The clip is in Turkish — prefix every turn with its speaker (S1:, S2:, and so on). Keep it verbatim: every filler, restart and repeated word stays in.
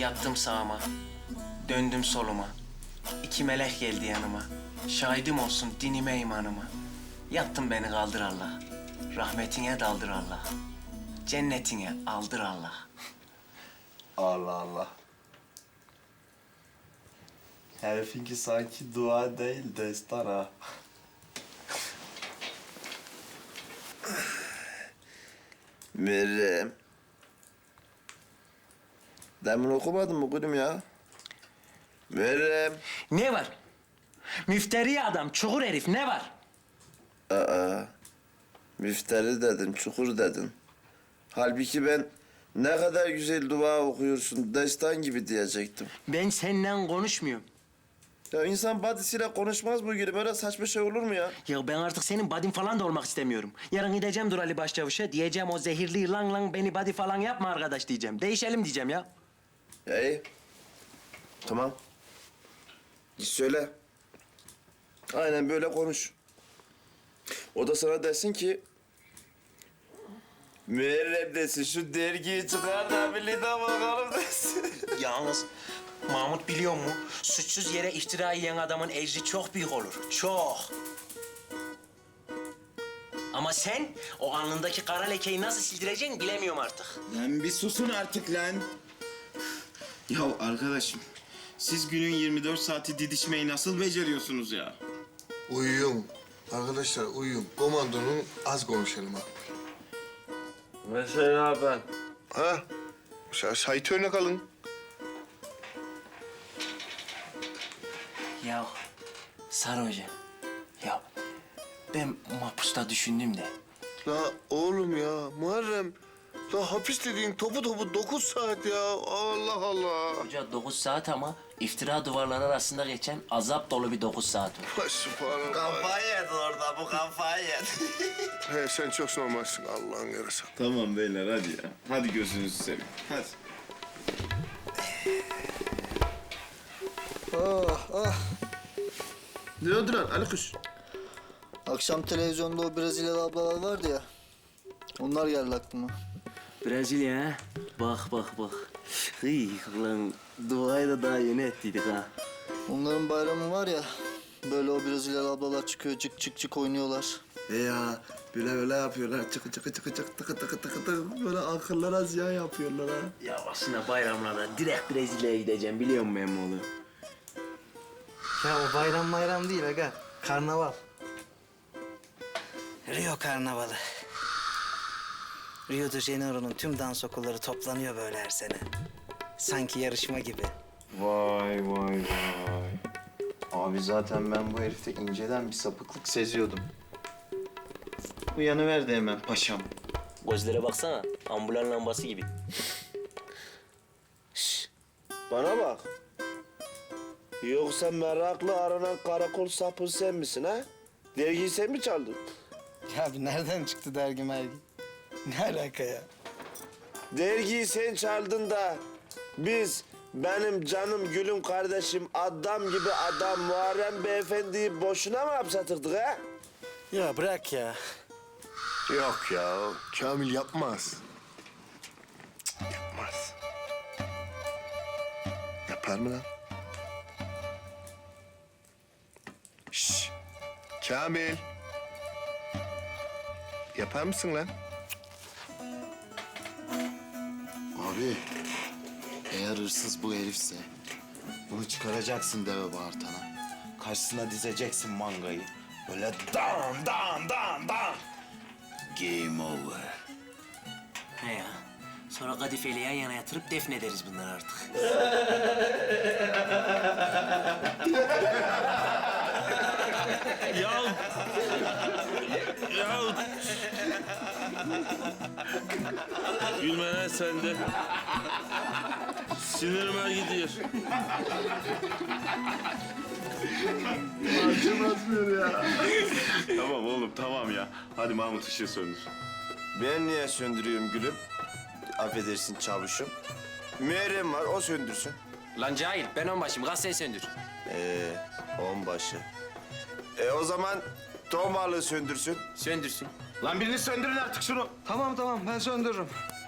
S1: Yattım sağıma, döndüm soluma. İki melek geldi yanıma. Şahidim olsun dinime imanıma. Yattın beni kaldır Allah. Rahmetine daldır Allah. Cennetine aldır Allah.
S2: Allah Allah. Herifinki sanki dua değil destan ha. Meryem. Demin okumadın mı gülüm ya? Meryem.
S1: Ne var? Müfteri adam, çukur herif ne var?
S2: Aa, müfteri dedin, çukur dedin. Halbuki ben ne kadar güzel dua okuyorsun, destan gibi diyecektim.
S1: Ben seninle konuşmuyorum.
S2: Ya insan badisiyle konuşmaz bu gibi. Böyle saçma şey olur mu ya?
S1: Ya ben artık senin badin falan da olmak istemiyorum. Yarın gideceğim Dur Ali Başçavuş'a. Diyeceğim o zehirli yılan lan beni badi falan yapma arkadaş diyeceğim. Değişelim diyeceğim ya.
S2: Ya iyi. Tamam. Git söyle. Aynen böyle konuş. O da sana desin ki... Müerrem desin, şu dergiyi çıkar da bir lida bakalım desin.
S1: Yalnız Mahmut biliyor mu? Suçsuz yere iftira yiyen adamın ecri çok büyük olur. Çok. Ama sen o alnındaki kara lekeyi nasıl sildireceksin bilemiyorum artık.
S3: Lan bir susun artık lan. Ya arkadaşım, siz günün yirmi dört saati didişmeyi nasıl beceriyorsunuz ya?
S4: Uyuyun. Arkadaşlar uyuyun. Komandonun az konuşalım ha.
S2: Mesela ben.
S4: Ha? Sa Sait örnek alın.
S1: Ya Sarı Hoca, ya ben mahpusta düşündüm de.
S4: La oğlum ya Muharrem. La hapis dediğin topu topu dokuz saat ya. Allah Allah.
S1: Hoca dokuz saat ama iftira duvarları arasında geçen azap dolu bir dokuz saat o.
S4: Ay, Sübhanallah.
S2: Kafayı yedin orada, bu kafayı yedin.
S4: He, sen çok normalsin Allah'ın yarısı.
S3: Tamam beyler hadi ya. Hadi gözünüzü seveyim. Hadi.
S5: Ah ah.
S2: Ne oldu lan Ali Kuş?
S5: Akşam televizyonda o Brezilyalı ablalar vardı ya. Onlar geldi aklıma.
S1: Brezilya ha? Bak bak bak. Hıy lan duayı da daha yeni ettiydik ha.
S5: Onların bayramı var ya. Böyle o Brezilyalı ablalar çıkıyor cık cık cık oynuyorlar.
S2: E ya böyle böyle yapıyorlar. Çıkı çıkı çıkı çıkı tıkı tıkı tıkı tıkı. Böyle akıllara ziyan yapıyorlar ha.
S1: Ya aslında bayramlarda direkt Brezilya'ya gideceğim biliyor musun emmoğlu?
S6: Ya o bayram bayram değil aga. Karnaval. Rio Karnavalı. Rio de Janeiro'nun tüm dans okulları toplanıyor böyle her sene. Sanki yarışma gibi.
S3: Vay vay vay. Abi zaten ben bu herifte inceden bir sapıklık seziyordum. Uyanıverdi hemen paşam.
S1: Gözlere baksana ambulan lambası gibi.
S2: Bana bak. Yoksa meraklı aranan karakol sapı sen misin ha? Dergiyi sen mi çaldın?
S6: Ya abi nereden çıktı dergi mergi? Ne alaka ya?
S2: Dergiyi sen çaldın da biz benim canım gülüm kardeşim adam gibi adam Muharrem Beyefendi'yi boşuna mı hapsatırdık ha?
S6: Ya bırak ya.
S4: Yok ya. Kamil yapmaz. Cık, yapmaz. Yapar mı lan? Şşş. Kamil. Yapar mısın lan?
S7: Abi, eğer hırsız bu herifse bunu çıkaracaksın deve bağırtana. Karşısına dizeceksin mangayı. Böyle dan dan dan dan. Game over.
S1: He ya. Sonra kadifeli yan yana yatırıp defnederiz bunları artık.
S8: Ya... ya... Gülme lan sen de. Sinirime gidiyor.
S3: Tamam oğlum tamam ya. Hadi Mahmut ışığı söndür.
S2: Ben niye söndürüyorum gülüm? Affedersin çavuşum. Müerrem var o söndürsün.
S1: Lan cahil ben onbaşıyım gazeteyi söndür.
S2: Ee, onbaşı. E o zaman ton balığı söndürsün.
S1: Söndürsün.
S3: Lan birini söndürün artık şunu.
S6: Tamam tamam ben söndürürüm.